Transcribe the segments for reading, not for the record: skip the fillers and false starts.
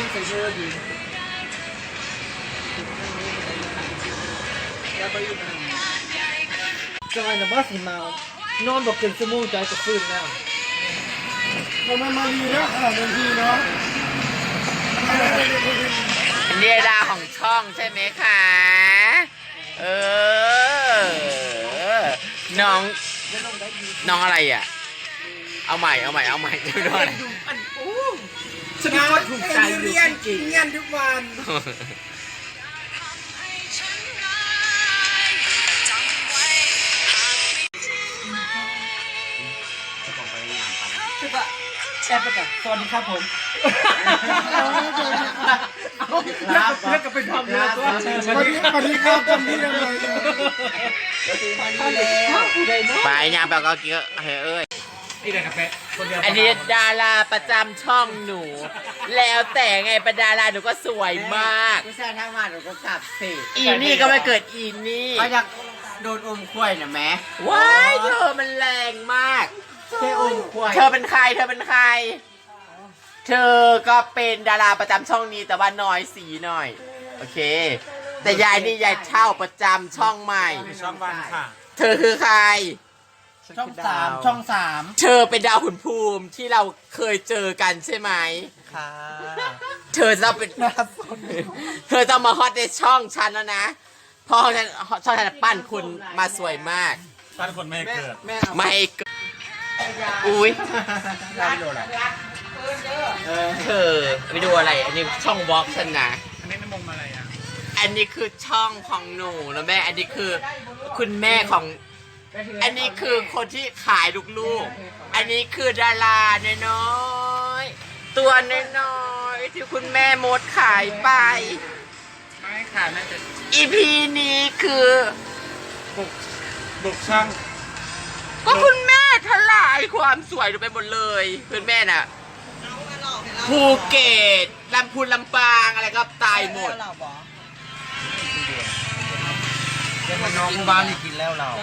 ใส่เสื้อดีแล้วก็อยู่นั่นจอยนะบ้าสิมานอนบอกเกินชั่วโมงใจจะฟื้นแล้วทำไมมาดีนะขนาดนั้นพี่เนาะเรียดาของช่องใช่ไหมคะน้องอะไรอ่ะเอาใหม่ไม่รู้อะไรฉันก็ถูกใจเรียนจริงงานทุกวันแอบไปก่อนสวัสดีครับผมแล้วก็เป็นทำแล้วสวัสดีครับทำนี่ยังไงไปยางแบบก็เกี่ยวเอ้ยนี่เลยกาแฟอันนี้ดาราประจำช่องหนู แล้วแต่ไงประดาราหนูก็สวยมากผู้ชายทั้งวันหนูก็กลับสิอีนี่ก็ไม่เกิดอีนี่เขาอยากโดนอมควยนะแม่ว้ายเธอมันแรงมากแค่อมควยเธอเป็นใครเธอก็เป็นดาราประจำช่องนี้แต่ว่าน้อยสีหน่อยโอเคแต่ยายนี่ยายเช่าประจำช่องใหม่ช่องวันค่ะเธอคือใครช่อง3 เธอเป็นดาวขุนภูมิที่เราเคยเจอกันใช่ไหมค่ะเธอจะเป็นเธอจะมาฮอตในช่องฉันแล้วนะเพราะช่องฉันปั้นคุณมาสวยมากปั้นคนไม่เกิดไม่เกิดอุ้ยเธอไปดูอะไรอันนี้ช่องวอล์กฉันนะอันนี้มุมอะไรอ่ะอันนี้คือช่องของหนูนะแม่อันนี้คือคุณแม่ของอันนี้คือคนที่ขายลูกๆอันนี้คือดาราน้อยๆตัวน้อยๆที่คุณแม่มดขายไปไม่ค่ะน่าจะ EPนี้คือบุกช่างก็คุณแม่ทลายความสวยลงไปหมดเลยคุณแม่น่ะภูเก็ตลำพูนลำปางอะไรก็ตายหมดน้องบ้านนี่กินแล้วเรา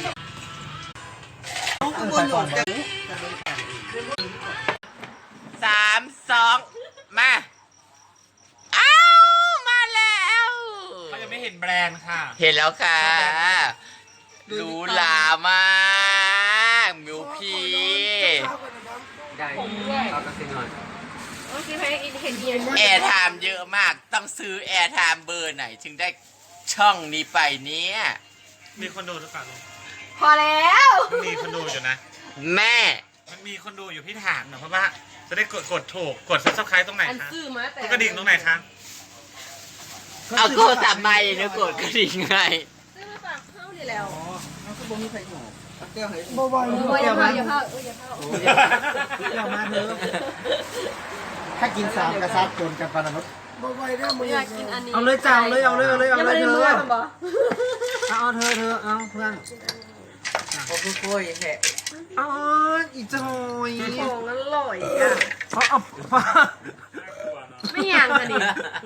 3 2มาอ้าวมาแล้วเขายังไม่เห็นแบรนด์ค่ะเห็นแล้วค่ะหรูหรามากมิวพีได้เราก็ซื้อหน่อยแอร์ไทม์เยอะมากต้องซื้อแอร์ไทม์เบอร์ไหนถึงได้ช่องนี้ไปเนี้ยมีคนดูหรือเปล่าพอแล้วมีคนดูอยู่นะแม่มันมีคนดูอยู่พี่ถามหน่อยเพราะว่าจะได้กดถูกกด Subscribe ตรงไหนคะกดกระดิ่งตรงไหนคะเอาโกสับไม้เนี่ยกดกระดิ่งไงซื้อมาฝากเข้าดีแล้วน้องก็บ่มีใครหนูเกี่ยวให้บ่อย่าเผาอย่าเผามาเถอะถ้ากิน3กระซับจนกันปานนั้นบ่ได้มึงอยากกินอันนี้เอาเลยจ้าเอาเลยเธอเอาเธอเอาเพื่อนโอ้โหแค่อ๋ออีจอยของอร่อยอ่ะเอาไม่อยากกันดิ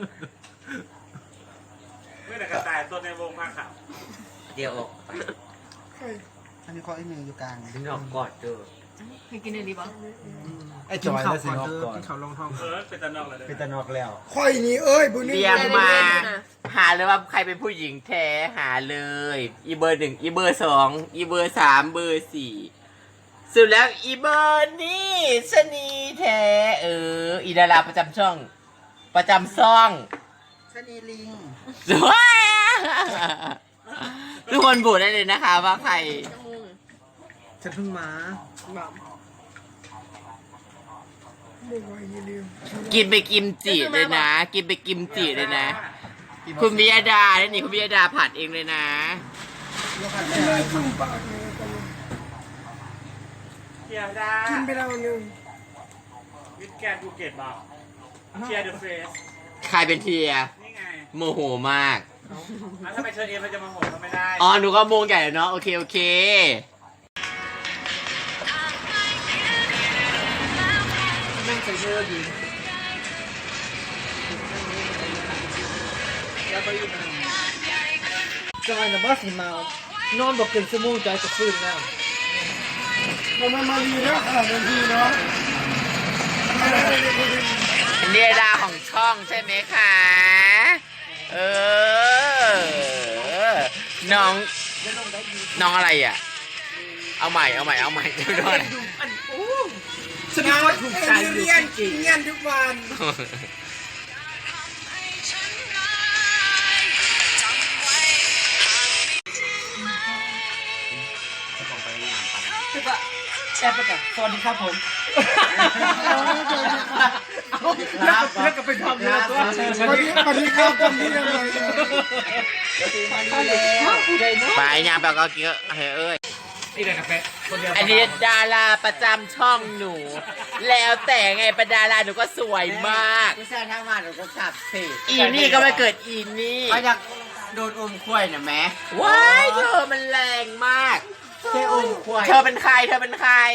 ไม่แต่กระต่ายตัวในวงมากค่ะเดี๋ยวอันนี้ข้อไอ้เมย์อยู่กลางดึงออกกอดเด้อให้กินได้ดีป่ะไอ้จอยแล้วสินอกก่อนกินข้าวลงท้องเป็นตะนอกเลยเป็นตะนอกแล้วค่อยนี้เอ้ยบุญนี่เรียงมาหาเลยว่าใครเป็นผู้หญิงแท้หาเลยอีเบอร์ 1อีเบอร์ 2อีเบอร์ 3เบอร์ 4สุดแล้วอีเบอร์นี่ชนีแท้อีดาราประจำช่องประจำซ่องชนีลิงทุกคนบูดได้เลยนะคะว่าใครฉันเพิ่งมากินไปกิมจิเลยนะกินไปกิมจิเลยนะคุณวิยดาเนี่ยนี่คุณวิยดาผัดเองเลยนะเทียดากินไปแล้วนึงวิดแกนภูเก็ตบอกเทียเดอะเฟสใครเป็นเทียนี่ไงโมโหมากแล้วถ้าไปเชิญเองมันจะโมโหก็ไม่ได้อ๋อหนูก็โมงใหญ่เนาะโอเคแม่งใส่เสื้อดีแล้วก็อยู่นั่นจอยนะบ้าสิมานอนบอกเกินชั่วโมงใจจะฟื้นแล้วทำไมมาดีนะขนาดนั้นพี่เนาะเรียดาของช่องช่องใช่ไหมคะ เออ น้องอะไรอ่ะ เอาใหม่เดี๋ยวก่อนฉันก็ถูกใจอยู่เรียนทุกวัน แอบไปก่อนสวัสดีครับผมแล้วก็ไปทำแล้วตัวสวัสดีครับทำนี่ยังไงไปยามแบบก็กินเอ้ยนี่เลยกาแฟคนเดียวอันนี้ดาราประจำช่องหนู แล้วแต่ไงเป็นดาราหนูก็สวยมากผู้ชายทั้งวันหนูก็ขับสิอีนี่ก็ไม่เกิดอีนี่เขาอยากโดนอมควายนะแม่ว้ายเธอมันแรงมากแค่อมควายเธอเป็นใคร เธอ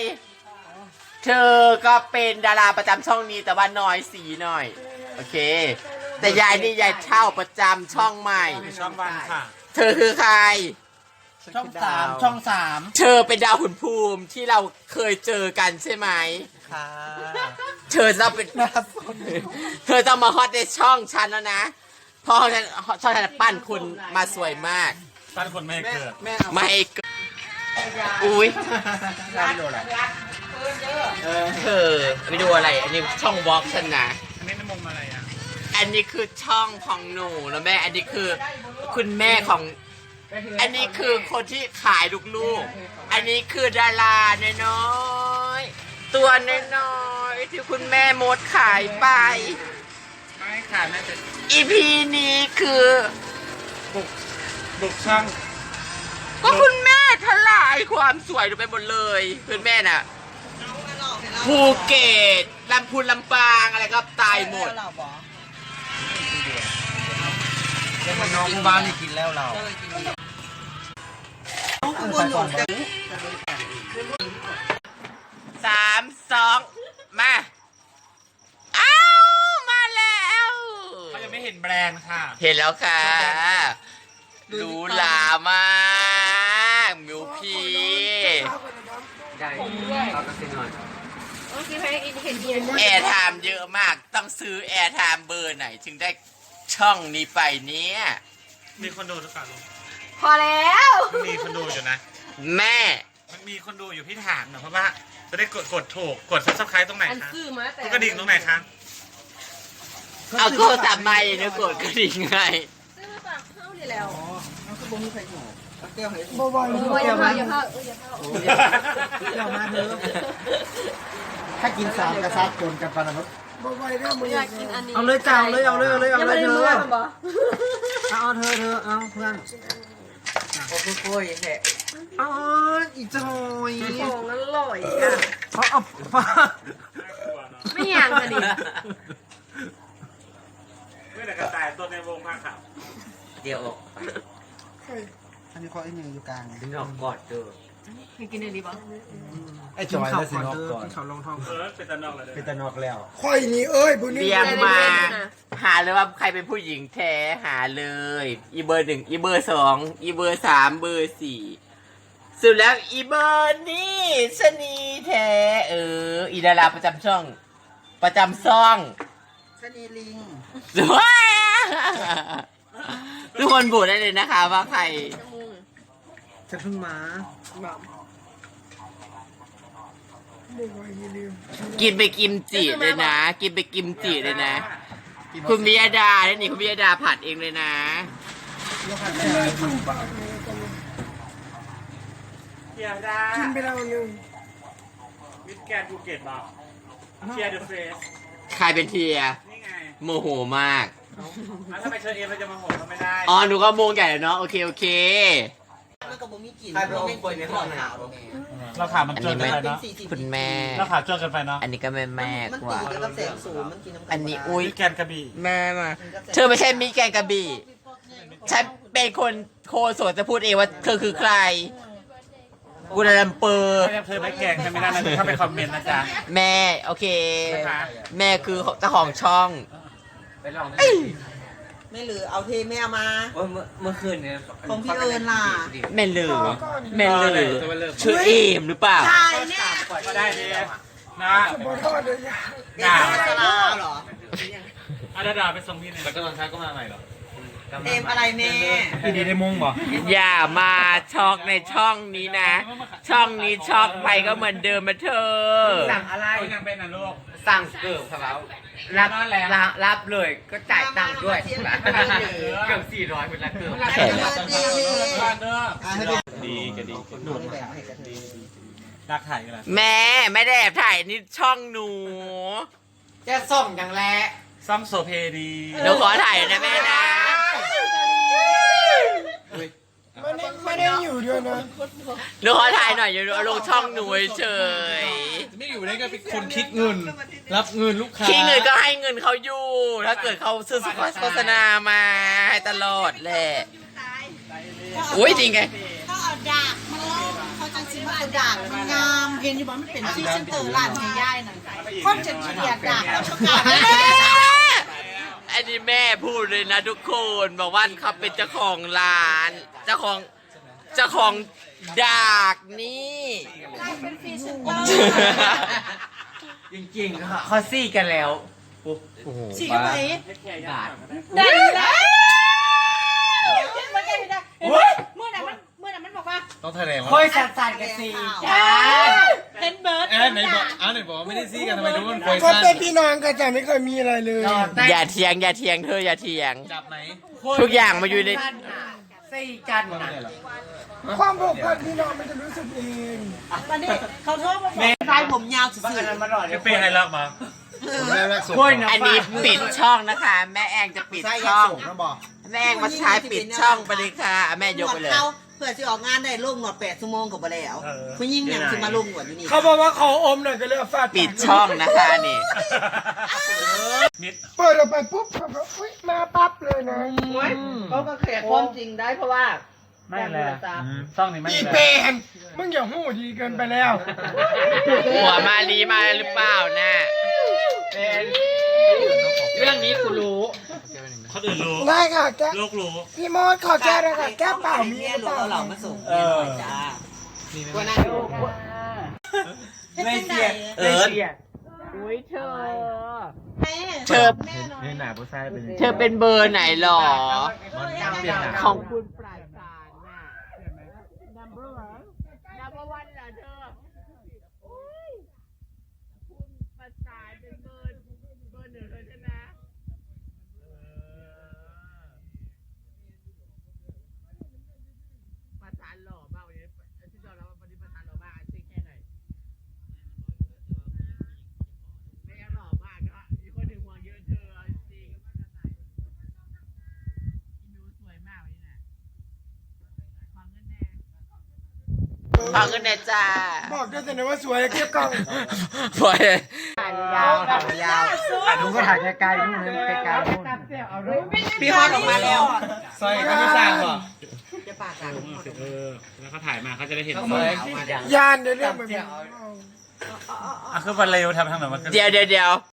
ก็เป็นดาราประจำช่องนี้แต่ว่าน้อยสีหน่อย โอเค แต่ยายนี่ยายเช่าประจำช่องใหม่ช่องวันค่ะเธอคือใครช่องสามเธอเป็นดาวขุนภูมิที่เราเคยเจอกันใช่ไหมค่ะเธอจะเป็น เธอต้องมาฮอตในช่องฉันแล้วนะเพราะช่องฉันปั้นคุณมาสวยมากปั้นคนไม่เกิดแม่ไม่เกินอุ้ยเราไปดูอะไรเธอไปดูอะไร อันนี้ช่องวอล์กฉันนะอันนี้น้ำมงอะไรอ่ะอันนี้คือช่องของหนูนะแม่ อันนี้คือคุณแม่ของ อันนี้คือคนที่ขายลูกๆ อันนี้คือดาราน้อยๆตัวน้อยๆที่คุณแม่มดขายไปไม่ค่ะน่าจะอีพีนี้คือบุกช่างก็คุณแม่ทลายความสวยลงไปหมดเลยคุณแม่น่ะภูเก็ตลำพูนลำปางอะไรก็ตายหมดเดี๋ยวมันน้องบ้านนี่กินแล้วเราข้างบนหนูจะ 3 2 มาอ้าวมาแล้วเขายังไม่เห็นแบรนด์ค่ะเห็นแล้วค่ะหรูหรามากมิวพีได้เอาตะเกียงหน่อยเมื่อกี้เห็นเย็นแอร์ไทม์เยอะมาก ต้องซื้อแอร์ไทม์เบอร์ไหน ถึงได้ช่องนี้ไปเนี้ยมีคนดูหรือเปล่าลุงพอแล้วมันมีคนดูอยู่นะแม่มันมีคนดูอยู่พี่ถามหน่อยเพราะว่าจะได้กดถูกกดซับสไครต์ตรงไหนอันคะซื้อมาแต่กดกระดิ่งตรงไหนคะเอาโทรศัพท์มาเนี่ยกดกระดิ่งไงซื้อมาฝากเข้านี่แล้วเอาคือบ่มีใครอยู่เอาแก้วให้บ่อยอย่าเข้าอย่าเข้าอย่าเข้าแก้วมาเถอะถ้ากินสามกระซัดกนกันปานนั้นอยากกินอันนี้เอาเลยจ้าเอาเลยยังไม่ได้เมื่อมันบอกเอาเธอเอาเพื่อนโอ้โหแหะอ๋ออีจอยของอร่อยอ่ะเอาไม่อยากกันดิเมื่อไหร่กระต่ายตัวในวงผ้าขาวเดี๋ยวออกอันนี้ข้อไอ้หนึ่งอยู่กลางนอกกอดเด้อให้กินอันนี้บอกไอ้จอยแล้วสินอกก่อนเขาลงท้องเป็นตะนอกเลยเป็นตะนอกแล้วค่อยนี่เอ้ยบุญนี่เรียงมา หาเลยว่าใครเป็นผู้หญิงแท้หาเลย อีเบอร์ 1 อีเบอร์ 2 อีเบอร์ 3 เบอร์ 4สุดแล้วอีเบอร์นี่ชะนีแท้อีดาราประจำช่อง ประจำซ่องชนีลิงทุกคนบูดได้เลยนะคะว่าใครฉันเพิ่งมากินไปกิมจิเลยนะ กินไปกิมจิเลยนะ คุณมิยดาเนี่ยนี่คุณมิยดาผัดเองเลยนะเทียดากินไปแล้วหนึ่งมิสแกนภูเก็ตบอกเทียเดอะเฟสใครเป็นเทียนี่ไงโมโหมากแล้วทำไมเชิญเอ็มเราจะมาโหดก็ไม่ได้อ๋อ หนูก็โมงใหญ่แล้วเนาะ โอเค โอเคแล้วก็บ่มีกลิ่นใครไปอมกล้วยในห้องหนาวเราขามันอันจนนี้กันไม่ไปเนาะคุณแม่เราขาจนกันไปเนาะอันนี้ก็แม่แม่มันกตีว่ากันกับแสงสูงมันกินน้ำอันนี้อุ้ยมิสแกนกระบี่แม่มา เธอไม่ใช่มิแกนกระบี่ ฉันเป็นคนโคโสดจะพูดเองว่าเธอคือใครกูดาลัมเปอร์ถ้าเธอไม่แกงใช่ไหมนะถ้าไปคอมเมนต์นะจ๊ะแม่ โอเคนะคะแม่คือเจ้าของช่องไม่หรือเอาเทไม่เอามาเมื่อคืนเนี่ยของพี่เอิญล่ะแม่ลือแม่ลือชื่อเอมหรือเปล่าใช่เนี่ยก็ได้ดีนะบ่ทอดเลยยาด่าสลาเหรอดาดาไปส่งพี่เนี่ยแล้วก็ตอนเช้าก็มาใหม่เหรอเอ็มอะไรแม่พี่ดีได้มุ้งบ่อย่ามาช็อกในช่องนี้นะ ช่องนี้ช็อกไปก็เหมือนเดิมมาเธอสั่งอะไรยังเป็นนะลูกสั่งเกิบครับรับเลยก็จ่ายตังค์ด้วยเกือบ400เป็นละเกือบดีก็ดีรักถ่ายกันละแม่ไม่ได้แอบถ่ายนี่ช่องหนูจะส่งอย่างแรกซัมโซเพดีหนูขอถ่ายนะแม่นะไม่ได้อยู่ด้วยนะหนูขอถ่ายหน่อยอยู่ลงช่องหนูเฉยไม่อยู่ได้ก็เป็นคนคิดเงิน รับเงินลูกค้าขี้เงินก็ให้เงินเขาอยู่ ถ้าเกิดเขาซื้อโฆษณามาให้ตลอดแหละอุ้ยจริงไงเขาเอาดากมาล่อเขาจังสิว่าเอาดากมันงามเห็นอยู่บ่มันเป็นที่เซนเตอร์ร้านให้ย่ายนั่นคนจะเกลียดดากแล้วชอบการอันนี้แม่พูดเลยนะทุกคนบอกว่าเขาเป็นเจ้าของร้าน เจ้าของดากนี่เป็นฟรีเซนเตอร์จริงๆเขาซี่กันแล้วฉีกเข้าไปบาทได้แล้วมันได้ได้เมื่อนั้นมันบอกว่าต้องแถลงค่อยสั่นๆกันซี่จ้าเห็นเบิร์ดไหนบอกไหนบอกว่าไม่ได้ซีกันทำไมทุกคนคอยก็สั้นเป็นพี่น้องกันแต่ไม่เคยมีอะไรเลยอย่าเถียงเธออย่าเถียงจับไหนทุกอย่างมาอยู่ในซี่กันนะความผูกพันพี่น้องมันจะรู้สึกเองวันนี้เขาโทษมาบอกชายผมยาวสุดจะเป็นอะไรรักมาอันนี้ปิดช่องนะคะ แม่แองจะปิดช่องแม่แองมาใช้ปิดช่องไปเลยค่ะแม่ยกไปเลยเขาเพื่อจะออกงานได้ลงหนวด8 ชั่วโมงกับบ่แล้วผู้หญิงอย่างสิมาลงหนวดอยู่นี่เขาบอกว่าขออมหน่อยก็เลยเอาฟาดปิดช่องนะคะนี่เปิดออกไปปุ๊บเขาบอกอุ๊ยมาปั๊บเลยนะเขาก็แขกความจริงได้เพราะว่าไม่เลยช่องนี้ไม่อีเลเปยนมึงอย่าหู้ดีเกินไปแล้วหัวมาลีมาหรือเปล่านะเรื่องนี้กูรู้คนอื่นรู้ได้ค่ะแก้โลกรู้พี่มดขอแก้ด้วยค่ะแก้เปล่ามีเมียหรือรู้เปล่าเรามาส่งจ้ากูนั่งอยู่ไม่เสียอุ้ยเธอแม่เธอนี่หนาผู้ชายเป็นเธอเป็นเบอร์ไหนหรอเปลี่ยนหนาของคุณปลายสารน่ะ number one เหรอเธอโอ้ยคุณประสานเป็นเบอร์หนึ่งเลยใช่ไหมประสานหล่อมากวันนี้ที่เราแล้ววันนี้ประสานหล่อมากจริงแค่ไหนไม่ยังหล่อมากก็มีคนถึงห่วงเยอะเธอจริงอินูสวยมากวันนี้นะฟังเงินแน่จ้าบอกได้แต่นะว่าสวยเก็บกล้องพอยยาวถ่ายดูก็ถ่ายไกลๆนู่นไกลๆนู่นพี่ฮอตออกมาแล้วซอยก็ไม่สร้างหรอจะปากกันแล้วเขาถ่ายมาเขาจะได้เห็นยานเดี๋ยวเรื่องแบบนี้อ่ะคือวันเร็วทำทางไหนมันเดี๋ยว